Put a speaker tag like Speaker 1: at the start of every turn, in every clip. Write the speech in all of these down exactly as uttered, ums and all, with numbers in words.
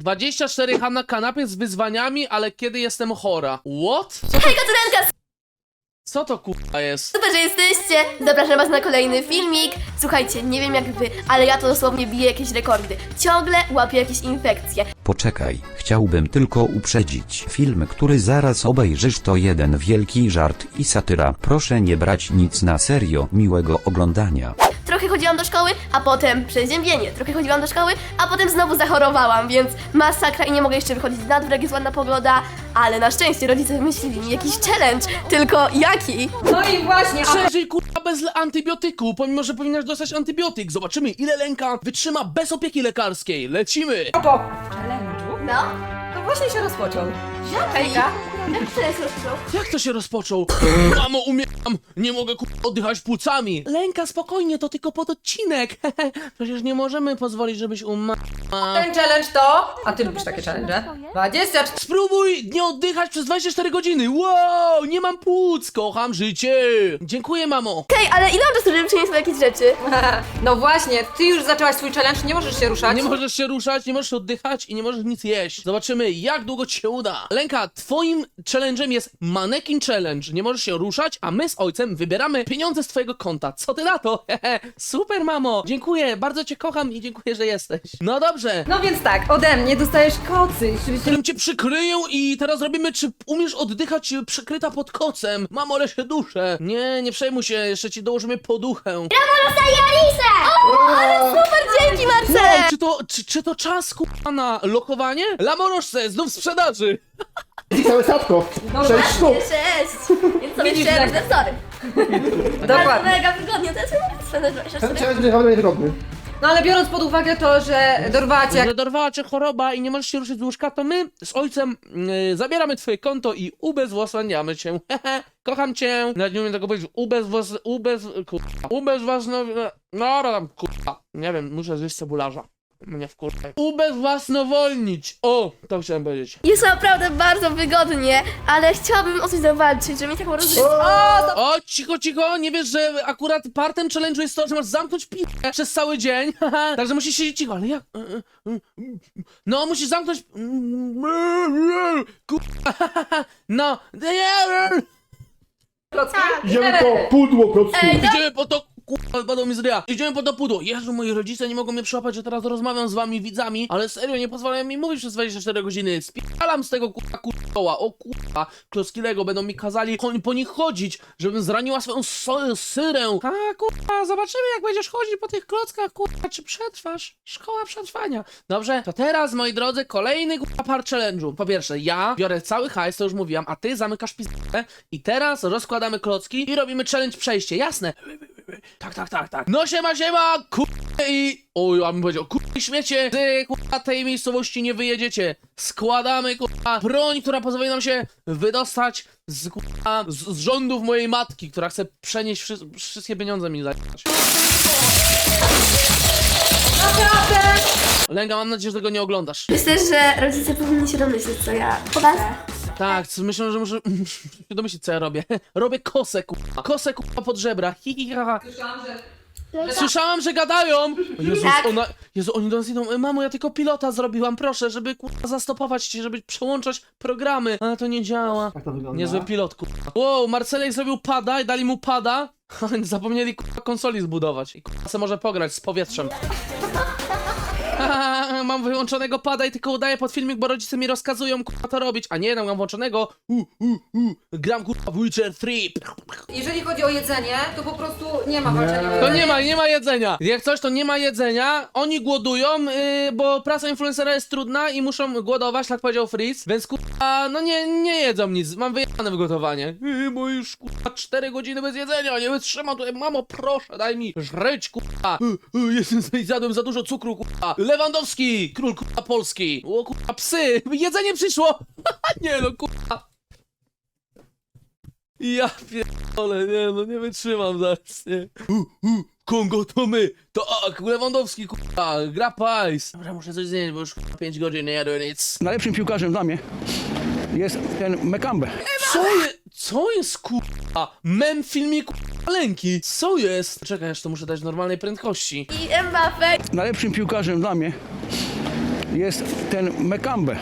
Speaker 1: dwadzieścia cztery H na kanapie z wyzwaniami, ale kiedy jestem chora. What?
Speaker 2: Hej, Katurenka!
Speaker 1: Co to kurwa jest?
Speaker 2: Super, że jesteście! Zapraszam was na kolejny filmik. Słuchajcie, nie wiem jak wy, ale ja to dosłownie biję jakieś rekordy. Ciągle łapię jakieś infekcje.
Speaker 3: Poczekaj, chciałbym tylko uprzedzić. Film, który zaraz obejrzysz, to jeden wielki żart i satyra. Proszę nie brać nic na serio. Miłego oglądania.
Speaker 2: Trochę chodziłam do szkoły, a potem przeziębienie. Trochę chodziłam do szkoły, a potem znowu zachorowałam, więc masakra i nie mogę jeszcze wychodzić na dwór, jak jest ładna pogoda. Ale na szczęście rodzice wymyślili mi jakiś challenge. Tylko jaki?
Speaker 4: No i właśnie, a
Speaker 1: Przeżyj kurwa bez antybiotyku, pomimo że powinnaś dostać antybiotyk. Zobaczymy ile Lenka wytrzyma bez opieki lekarskiej. Lecimy!
Speaker 4: propos challenge'u,
Speaker 2: No?
Speaker 4: to właśnie się rozpoczął.
Speaker 2: Jaki?
Speaker 4: Hejka.
Speaker 2: Jak to jest rozpoczął?
Speaker 1: Jak to się rozpoczął? Mamo, umieram! Nie mogę kurwa oddychać płucami. Lenka, spokojnie, to tylko pod odcinek. Przecież nie możemy pozwolić, żebyś umarła.
Speaker 4: Ten challenge to... A ty lubisz takie challenge? dwadzieścia cztery...
Speaker 1: Spróbuj nie oddychać przez dwadzieścia cztery godziny. Wow, nie mam płuc, kocham życie. Dziękuję, mamo.
Speaker 2: Okej, ale ile mam czasu, żeby przynieść sobie jakieś rzeczy?
Speaker 4: No właśnie, ty już zaczęłaś swój challenge, nie możesz się ruszać.
Speaker 1: Nie możesz się ruszać, nie możesz oddychać i nie możesz nic jeść. Zobaczymy, jak długo ci się uda. Lenka, twoim challenge'em jest Mannequin Challenge. Nie możesz się ruszać, a my z ojcem wybieramy pieniądze z twojego konta. Co ty na to? Super, mamo. Dziękuję, bardzo cię kocham i dziękuję, że jesteś. No dobrze.
Speaker 4: No więc tak, ode mnie dostajesz kocy. Żebyś się...
Speaker 1: Którym cię przykryją i teraz robimy, czy umiesz oddychać przykryta pod kocem. Mamo, ale się duszę. Nie, nie przejmuj się, jeszcze ci dołożymy poduchę.
Speaker 2: Super, dzięki Marcel!
Speaker 1: Wow, czy to, czy, czy to czas kurwa na lokowanie? Lamorożce, znów w sprzedaży.
Speaker 5: Całe statko!
Speaker 4: No
Speaker 5: Sześć
Speaker 4: właśnie.
Speaker 5: sztuk!
Speaker 2: Cześć! Więc sobie
Speaker 4: Widzisz,
Speaker 2: jeszcze
Speaker 4: jak-
Speaker 2: robię wzory. Bardzo
Speaker 4: Dokładnie.
Speaker 2: mega wygodnie, to jest
Speaker 5: Ten
Speaker 2: super.
Speaker 5: challenge będzie naprawdę wygodny.
Speaker 4: No ale biorąc pod uwagę to, że dorwała cię jak...
Speaker 1: Że dorwała cię choroba i nie możesz się ruszyć z łóżka, to my z ojcem yy, zabieramy twoje konto i ubezwłasniamy cię. Hehe, kocham cię. Nawet nie umiem tego powiedzieć. Ubezwłas... ubez... kurwa. Ubezwłasno... No, tam kurwa. Nie wiem, muszę zjeść cebularza. Mnie wkurwa. Ubezwłasnowolnić. O, to chciałem powiedzieć.
Speaker 2: Jest naprawdę bardzo wygodnie, ale chciałabym o coś zawalczyć, żeby mieć taką rozrywkę.
Speaker 1: O, cicho, cicho, nie wiesz, że akurat partem challenge'u jest to, że masz zamknąć piłkę przez cały dzień, haha, także musisz siedzieć cicho, ale jak? No, musisz zamknąć... Kurwa, no,
Speaker 4: Klocki?
Speaker 5: Idziemy po pudło klocków.
Speaker 2: Ej,
Speaker 1: idziemy po to... Kurwa, padło mi z ryja. Idziemy po to pudło. Jezu, moi rodzice nie mogą mnie przyłapać, że teraz rozmawiam z wami widzami, ale serio, nie pozwalają mi mówić przez dwadzieścia cztery godziny. Spieram z tego kurwa kurwa. O kurwa, klocki Lego będą mi kazali po, po nich chodzić, żebym zraniła swoją so syrę. A kurwa, zobaczymy jak będziesz chodzić po tych klockach, kurwa, czy przetrwasz. Szkoła przetrwania. Dobrze, to teraz, moi drodzy, kolejny kurwa par challenge'u. Po pierwsze, ja biorę cały hajs, to już mówiłam, a ty zamykasz pizdę i teraz rozkładamy klocki i robimy challenge przejście, jasne? Tak, tak, tak, tak. No siema, siema, kurwa i... Oj, ja bym powiedział, kurwa śmiecie, ty kurwa tej miejscowości nie wyjedziecie. Składamy kurwa broń, która pozwoli nam się wydostać z kurwa, z, z rządów mojej matki, która chce przenieść wszy wszystkie pieniądze mi zajmować.
Speaker 4: Naprawdę?
Speaker 1: Lenka, mam nadzieję, że tego nie oglądasz.
Speaker 2: Myślę, że rodzice powinni się domyśleć, co ja chodzę.
Speaker 1: Tak, co- myślę, że muszę się domyślić, co ja robię. Robię kosę, kurwa. Kosę, kurwa, pod żebra. Hi, hi, ha, ha.
Speaker 4: Słyszałam, że...
Speaker 1: Słyszałam, że gadają! Jezus,
Speaker 2: Tak.
Speaker 1: ona... Jezu, oni do nas idą. Mamo, ja tylko pilota zrobiłam, proszę, żeby kurwa zastopować cię, żeby przełączać programy. Ale to nie działa.
Speaker 5: Jak to wygląda?
Speaker 1: Niezły pilot, kurwa. Wow, Marcelek zrobił pada i dali mu pada. Oni zapomnieli kurwa konsoli zbudować. I kurwa se może pograć z powietrzem. Haha, mam wyłączonego pada i tylko udaję pod filmik, bo rodzice mi rozkazują kurwa to robić. A nie, no mam włączonego. U, u, u. Gram kurwa w Witcher trzy.
Speaker 4: Jeżeli chodzi o jedzenie, to po prostu nie ma walczenia o
Speaker 1: To
Speaker 4: jedzenie.
Speaker 1: nie ma, nie ma jedzenia. Jak coś, to nie ma jedzenia. Oni głodują, yy, bo praca influencera jest trudna i muszą głodować, tak powiedział Freeze. Więc kurwa, no nie, nie jedzą nic. Mam wyjechane w gotowanie. Yy, bo już kurwa cztery godziny bez jedzenia. Nie wytrzymam tutaj. Mamo, proszę, daj mi żreć, kurwa. Yy, yy, jestem, zjadłem za dużo cukru, kurwa. Lewandowski, król kurwa Polski. O kurwa, psy. Jedzenie przyszło. Nie no, kurwa. Ja pierdolę, nie no, nie wytrzymam zaraz, nie. U, u, Kongo to my, to ak, Lewandowski, kurwa, gra pajs. Dobra, muszę coś zjeść, bo już kurwa pięć godzin nie jadłem nic.
Speaker 6: Najlepszym piłkarzem dla mnie jest ten Mekambe.
Speaker 1: Co jest, co jest kurwa? Mem w filmie kurwa Lenki. Co jest? Czekaj, aż to muszę dać w normalnej prędkości.
Speaker 2: I Mbappé.
Speaker 6: Najlepszym piłkarzem dla mnie jest ten Mekambę.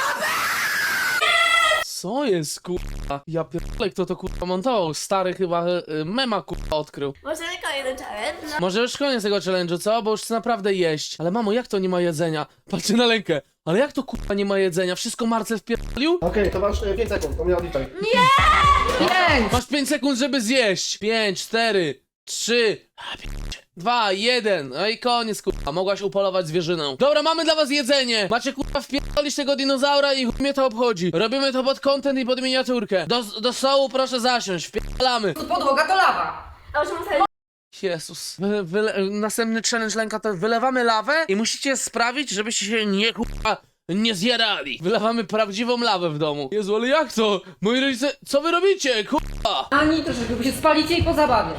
Speaker 1: Co jest kurwa? Ja pierdolę, kto to kurwa montował? Stary chyba y, mema kurwa odkrył.
Speaker 2: Może kolejny challenge? No.
Speaker 1: Może już koniec tego challenge'u, co? Bo już chcę naprawdę jeść. Ale mamo, jak to nie ma jedzenia? Patrzcie na Lenkę. Ale jak to kurwa nie ma jedzenia? Wszystko Marcel wpierdolił?
Speaker 5: Okej, to masz pięć sekund, to mnie odliczaj.
Speaker 4: Pięć!
Speaker 1: Masz pięć sekund, żeby zjeść. pięć, cztery, trzy, dwa, jeden. No i koniec, kurwa. Mogłaś upolować zwierzynę. Dobra, mamy dla was jedzenie. Macie, kurwa, wpierdolić tego dinozaura i chuj mnie to obchodzi. Robimy to pod content i pod miniaturkę. Do, do stołu proszę zasiąść. Wpierdalamy.
Speaker 4: Podłoga to lawa.
Speaker 2: A już muszę...
Speaker 1: Jezus. Wy, wyle, następny challenge, Lenka, to wylewamy lawę i musicie sprawić, żebyście się nie, kurwa, nie zjarali. Wylewamy prawdziwą lawę w domu. Jezu, ale jak to? Moi rodzice, co wy robicie, kurwa?
Speaker 4: Ani troszeczkę, bo się spalicie i po zabawie.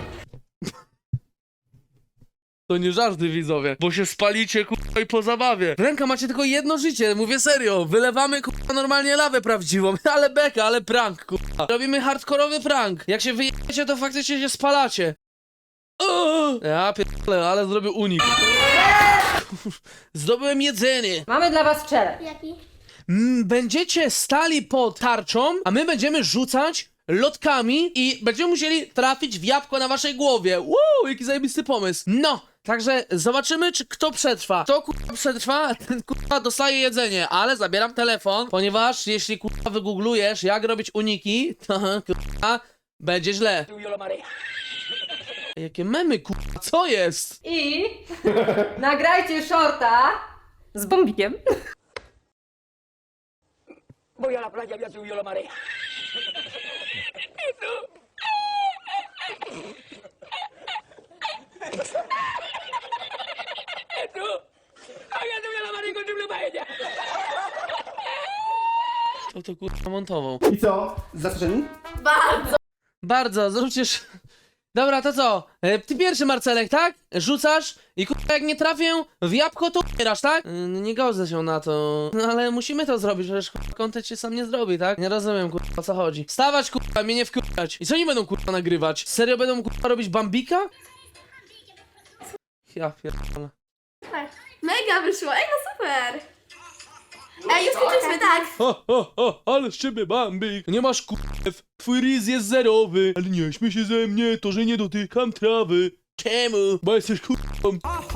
Speaker 1: To nie żarty, widzowie, bo się spalicie, kurwa, i po zabawie. Ręka, macie tylko jedno życie, mówię serio. Wylewamy, kurwa, normalnie lawę prawdziwą. Ale beka, ale prank, kurwa. Robimy hardkorowy prank. Jak się wyjdziecie, to faktycznie się spalacie. O! Ja pierdolę, ale zrobił unik. Zdobyłem jedzenie.
Speaker 4: Mamy dla was challenge.
Speaker 2: Jaki?
Speaker 1: Mm, Będziecie stali pod tarczą, a my będziemy rzucać lotkami i będziemy musieli trafić w jabłko na waszej głowie. Wow, jaki zajebisty pomysł. No, także zobaczymy, czy kto przetrwa. Kto kurwa przetrwa, ten kurwa dostaje jedzenie, ale zabieram telefon, ponieważ jeśli kurwa wygooglujesz, jak robić uniki, to kurwa będzie źle. Jakie memy, kurwa, co jest?
Speaker 4: I nagrajcie shorta z bombikiem.
Speaker 7: Voy a la playa, ya subió la marea. Eso. Había subido la marea con triple paella.
Speaker 1: Kto to kurwa montował?
Speaker 5: I co? Zaskoczeni?
Speaker 2: Bardzo!
Speaker 1: Bardzo, zróbcie... sz- Dobra, to co? E, ty pierwszy, Marcelek, tak? Rzucasz i kurwa jak nie trafię w jabłko, to umierasz, tak? E, nie godzę się na to. No ale musimy to zrobić, przecież kurwa content się sam nie zrobi, tak? Nie rozumiem, kurwa, o co chodzi. Stawać, kurwa, mnie nie wkurwać. I co oni będą, kurwa, nagrywać? Serio będą, kurwa, robić Bambika? Ja pierdolę.
Speaker 2: Mega wyszło, ej no super! Ej, już skończyliśmy, tak!
Speaker 1: Ho, ho, ho, ale z ciebie Bambik. Nie masz kurw, twój ryz jest zerowy. Ale nie śmiej się ze mnie, to że nie dotykam trawy. Czemu? Bo jesteś kurwą.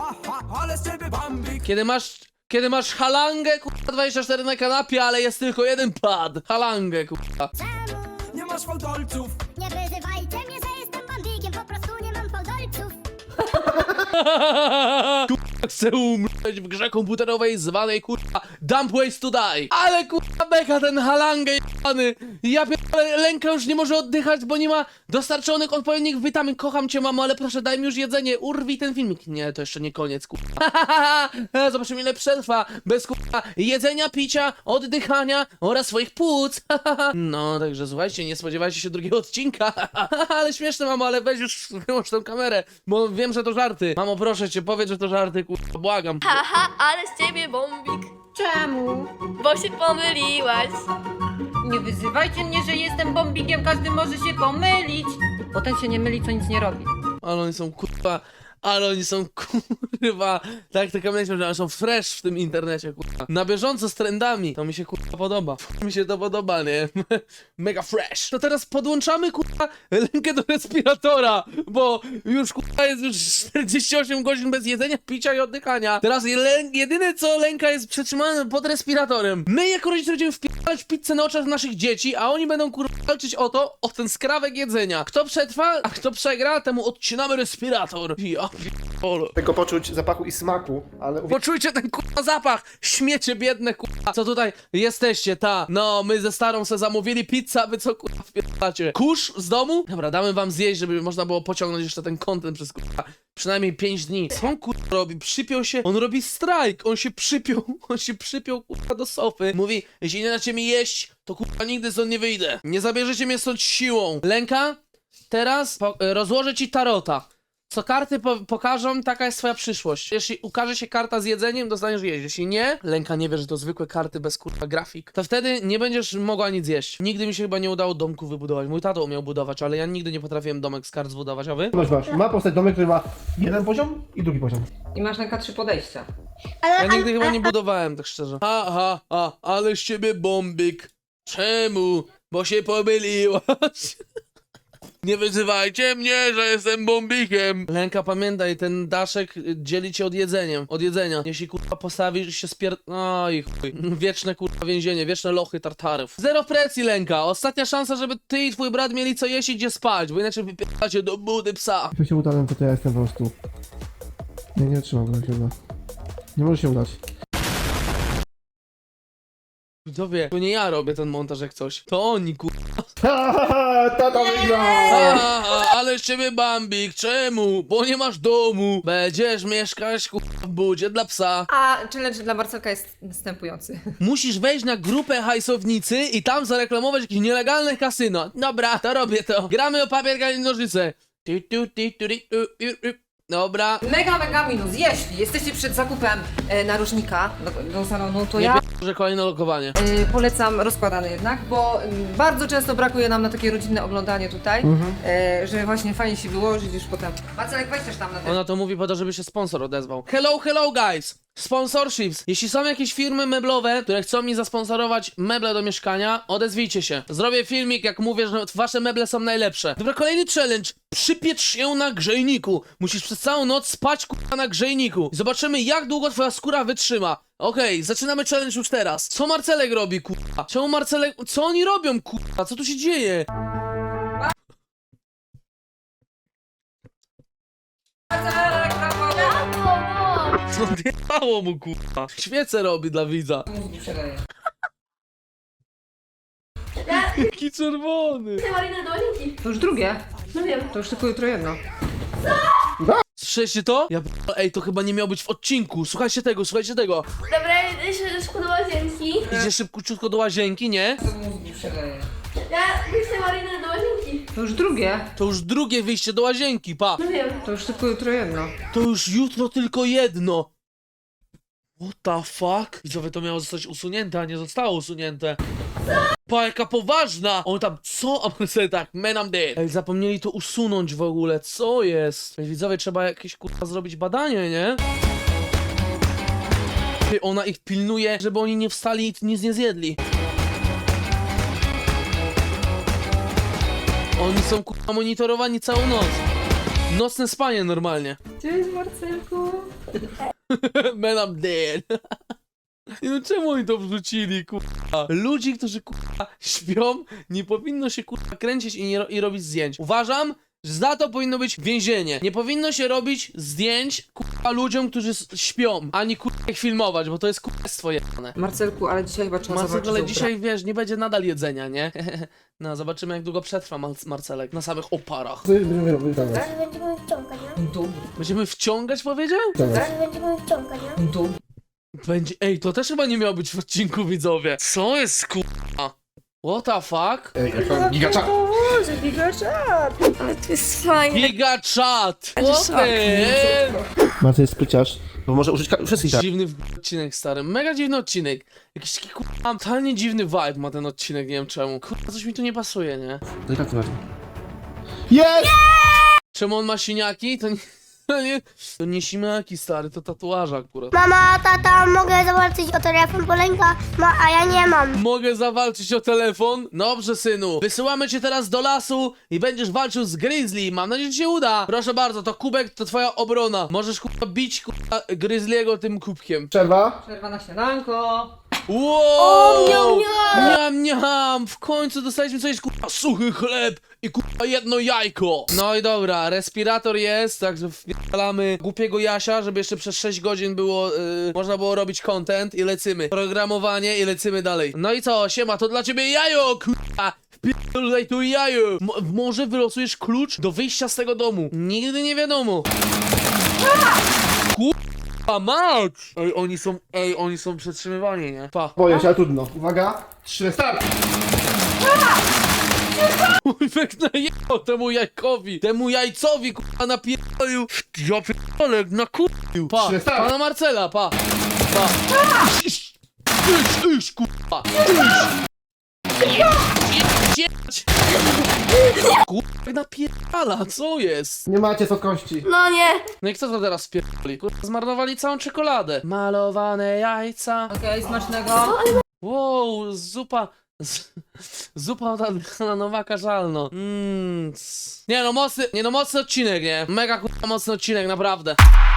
Speaker 1: Kiedy masz, kiedy masz halangę, kurwa, dwadzieścia cztery na kanapie, ale jest tylko jeden pad. Halangę, kurwa.
Speaker 7: Nie masz fałdolców.
Speaker 8: Nie wyzywajcie mnie, że jestem bambikiem, po prostu nie mam fałdolców.
Speaker 1: Kurwa, chcę umrzeć w grze komputerowej zwanej, kurwa, Dump Ways to Die. Ale, kurwa, beka ten halangę jebany. Ja pierdolę, Lenka już nie może oddychać, bo nie ma dostarczonych odpowiednich witamin. Kocham cię, mamo, ale proszę, daj mi już jedzenie. Urwij ten filmik. Nie, to jeszcze nie koniec, kurwa. Zobaczymy, ile przetrwa bez, kurwa, jedzenia, picia, oddychania oraz swoich płuc. No, także słuchajcie, nie spodziewajcie się drugiego odcinka. Ale śmieszne, mamo, ale weź już wyłącz tą kamerę, bo wiem, że to żarty. Mamo, proszę cię, powiedz, że to żarty, kurwa, błagam.
Speaker 2: Haha, ale z ciebie bombik,
Speaker 4: Czemu?
Speaker 2: bo się pomyliłaś.
Speaker 4: Nie wyzywajcie mnie, że jestem bombikiem, każdy może się pomylić. Bo ten się nie myli, co nic nie robi.
Speaker 1: Ale oni są, kurwa, ale oni są, kurwa, tak tylko myślę, że oni są fresh w tym internecie, kurwa. Na bieżąco z trendami. To mi się, kurwa, podoba. Mi się to podoba, nie? Mega fresh. To teraz podłączamy, kurwa, Lenkę do respiratora, bo już, kurwa, jest już czterdzieści osiem godzin bez jedzenia, picia i oddychania. Teraz je- jedyne, co Lenka jest przetrzymane pod respiratorem. My, jako rodzice, będziemy wpierać pizzę na oczach naszych dzieci, a oni będą, kurwa, walczyć o to, o ten skrawek jedzenia. Kto przetrwa, a kto przegra, temu odcinamy respirator. Ja pierdolę.
Speaker 5: Tego poczuć zapachu i smaku, ale uwierz,
Speaker 1: Poczujcie ten kurwa zapach! Śmiecie biedne kurwa! Co tutaj jesteście, ta? No, my ze starą se zamówili pizzę, a wy co kurwa wpierdacie? Kurz z domu? Dobra, damy wam zjeść, żeby można było pociągnąć jeszcze ten content przez kurwa przynajmniej pięć dni. Co on kurwa robi? Przypiął się? On robi strajk! On się przypiął, on się przypiął kurwa do sofy. Mówi, jeśli nie dacie mi jeść, to kurwa nigdy stąd nie wyjdę. Nie zabierzecie mnie stąd siłą. Lenka, teraz po- rozłożę ci tarota. Co karty po pokażą, taka jest twoja przyszłość. Jeśli ukaże się karta z jedzeniem, dostaniesz jeść. Jeśli nie, Lenka nie wie, że to zwykłe karty bez kurwa grafik, to wtedy nie będziesz mogła nic jeść. Nigdy mi się chyba nie udało domku wybudować. Mój tato umiał budować, ale ja nigdy nie potrafiłem domek z kart zbudować, a wy?
Speaker 5: Masz, masz. Ma powstać domek, który ma jeden poziom i drugi poziom.
Speaker 4: I masz na trzy podejścia.
Speaker 1: Ja nigdy chyba nie budowałem, tak szczerze. Ha, ha, ha, ale z ciebie bombik. Czemu? Bo się pomyliłaś. Nie wyzywajcie mnie, że jestem bombikiem. Lenka, pamiętaj, ten daszek dzieli cię od jedzeniem, od jedzenia. Jeśli kurwa postawisz się spier... Oj chuj. Wieczne kurwa więzienie, wieczne lochy tartarów. Zero presji, Lenka. Ostatnia szansa, żeby ty i twój brat mieli co jeść i gdzie spać, bo inaczej wypieracie do budy psa.
Speaker 5: Jak się uda, to, to ja jestem po prostu... Nie, nie trzymam go, jak się uda. Nie może się udać.
Speaker 1: Widzowie, to nie ja robię ten montaż jak coś. To oni kurwa.
Speaker 5: Tata wygrał!
Speaker 1: A, ale z ciebie bambik, czemu? Bo nie masz domu. Będziesz mieszkać kurwa w budzie dla psa.
Speaker 4: A challenge dla Marcelka jest następujący.
Speaker 1: Musisz wejść na grupę hajsownicy i tam zareklamować jakieś nielegalne kasyno. Dobra, to robię to. Gramy o papier, kamień, nożyce. Tu, tu, tu, tu, tu, tu, tu. Dobra.
Speaker 4: Mega, mega minus. Jeśli jesteście przed zakupem e, narożnika do, do salonu, to
Speaker 1: Nie
Speaker 4: ja
Speaker 1: p- że kolejne lokowanie.
Speaker 4: e, polecam rozkładany jednak, bo m, bardzo często brakuje nam na takie rodzinne oglądanie tutaj, e, że właśnie fajnie się wyłożyć już potem. Marcelek, weź też tam na ten.
Speaker 1: Ona to mówi po to, żeby się sponsor odezwał. Hello, hello guys! Sponsorships. Jeśli są jakieś firmy meblowe, które chcą mi zasponsorować meble do mieszkania, odezwijcie się. Zrobię filmik, jak mówię, że wasze meble są najlepsze. Dobra, kolejny challenge. Przypiecz się na grzejniku. Musisz przez całą noc spać kurwa na grzejniku. I zobaczymy, jak długo twoja skóra wytrzyma. Okej, zaczynamy challenge już teraz. Co Marcelek robi, kurwa? Czemu Marcelek... Co oni robią, kurwa? Co tu się dzieje?
Speaker 4: Marcelek, brawo!
Speaker 2: Brawo!
Speaker 1: Co odjechało mu, kurwa? Świecę robi dla widza.
Speaker 4: Mózgi przeleje.
Speaker 1: Jaki czerwony.
Speaker 2: Chcę Marinę do łazienki.
Speaker 4: To już drugie.
Speaker 2: No wiem.
Speaker 4: To już tylko jutro jedno.
Speaker 1: Słyszeliście to? Ja p- Ej, to chyba nie miało być w odcinku. Słuchajcie tego, słuchajcie tego.
Speaker 2: Dobra, idę się szybko do łazienki.
Speaker 1: Idzie szybciutko do łazienki, nie?
Speaker 4: To mózgi przeleje.
Speaker 2: Ja chcę Marinę do łazienki.
Speaker 4: To już drugie.
Speaker 1: To już drugie wyjście do łazienki, pa.
Speaker 2: No wiem.
Speaker 4: To już tylko jutro jedno.
Speaker 1: To już jutro tylko jedno. What the fuck? Widzowie, to miało zostać usunięte, a nie zostało usunięte. Pa, jaka poważna! On tam, co? A on sobie tak, man I'm dead. Ej, zapomnieli to usunąć w ogóle, co jest? Ej, widzowie, trzeba jakieś kurwa zrobić badanie, nie? Ty, ona ich pilnuje, żeby oni nie wstali i nic nie zjedli. Oni są kurwa monitorowani całą noc. Nocne spanie normalnie.
Speaker 4: Cześć Marcelku.
Speaker 1: Man, I'm dead. I no czemu oni to wrzucili, kurwa? Ludzi, którzy kurwa śpią, nie powinno się kurwa kręcić i, nie ro i robić zdjęć. Uważam, że za to powinno być więzienie. Nie powinno się robić zdjęć kurwa ludziom, którzy s- śpią, ani kurwa ich filmować, bo to jest kurwa jebane.
Speaker 4: Marcelku, ale dzisiaj chyba trzeba
Speaker 1: Marcelek,
Speaker 4: zobaczyć.
Speaker 1: ale
Speaker 4: za
Speaker 1: dzisiaj wiesz, nie będzie nadal jedzenia, nie? No, zobaczymy jak długo przetrwa Mar Marcelek na samych oparach.
Speaker 5: Będziemy wyciągać.
Speaker 8: Zaraz będziemy wciągać, nie?
Speaker 4: Dół,
Speaker 1: Będziemy wciągać, powiedział?
Speaker 8: Zaraz będziemy wciągać, nie?
Speaker 4: dół.
Speaker 1: Będzie, ej, to też chyba nie miało być w odcinku, widzowie. Co jest kurwa? What the fuck?
Speaker 5: Ej, jaka gigacza.
Speaker 2: Ale to jest fajne.
Speaker 1: Giga chat! What the
Speaker 5: Marcel jest spryciarz, bo może użyć ka- wszystkich tak.
Speaker 1: Dziwny w- odcinek, stary. Mega dziwny odcinek. Jakiś taki kurwa, totalnie dziwny vibe ma ten odcinek, nie wiem czemu. Kurwa, coś mi tu nie pasuje, nie?
Speaker 5: Delikatnie Marcel. Jest!
Speaker 1: Czemu on ma siniaki? To nie... To nie, to nie siniaki, stary, to tatuaże akurat.
Speaker 8: Mama, tata, mogę zawalczyć o telefon, bo Lenka ma, a ja nie mam.
Speaker 1: Mogę zawalczyć o telefon? Dobrze, synu. Wysyłamy cię teraz do lasu i będziesz walczył z Grizzly. Mam nadzieję, że ci się uda. Proszę bardzo, to kubek to twoja obrona. Możesz kurwa bić kurwa Grizzly'ego tym kubkiem.
Speaker 5: Przerwa.
Speaker 4: Przerwa na śniadanko.
Speaker 1: Wow!
Speaker 2: miam,
Speaker 1: Miam, miam! W końcu dostaliśmy coś kurwa suchy chleb i kurwa jedno jajko. No i dobra, respirator jest, także wpierdalamy głupiego Jasia, żeby jeszcze przez sześć godzin było, yy, można było robić content i lecimy. Programowanie i lecimy dalej. No i co, siema, to dla ciebie jajo, kurwa! Wpierdolaj tu jajo! Mo może wylosujesz klucz do wyjścia z tego domu. Nigdy nie wiadomo. A mać! Ej, oni są, ej, oni są przetrzymywani, nie? Pa.
Speaker 5: Boję się, ale trudno. Uwaga. Trzy, start!
Speaker 1: Ujwek najebał temu jajkowi, temu jajcowi, kurwa, napierdolił. Ja pierdolę, nakurwił. Pa,
Speaker 5: Przestań.
Speaker 1: pana Marcela, pa. Pa. Iść, iść, iść, kurwa. Iść. Jedź. Kurwa, jak napierdala, co jest?
Speaker 5: Nie macie co kości.
Speaker 2: No nie.
Speaker 1: No i kto to teraz spierdoli? Kurwa, zmarnowali całą czekoladę. Malowane jajca.
Speaker 4: Okej, smacznego.
Speaker 1: Wow, zupa. z- Zupa od Adriana Nowaka żalno. Mmm. Nie no, mocny, nie no, mocny odcinek, nie? Mega kurwa mocny odcinek, naprawdę.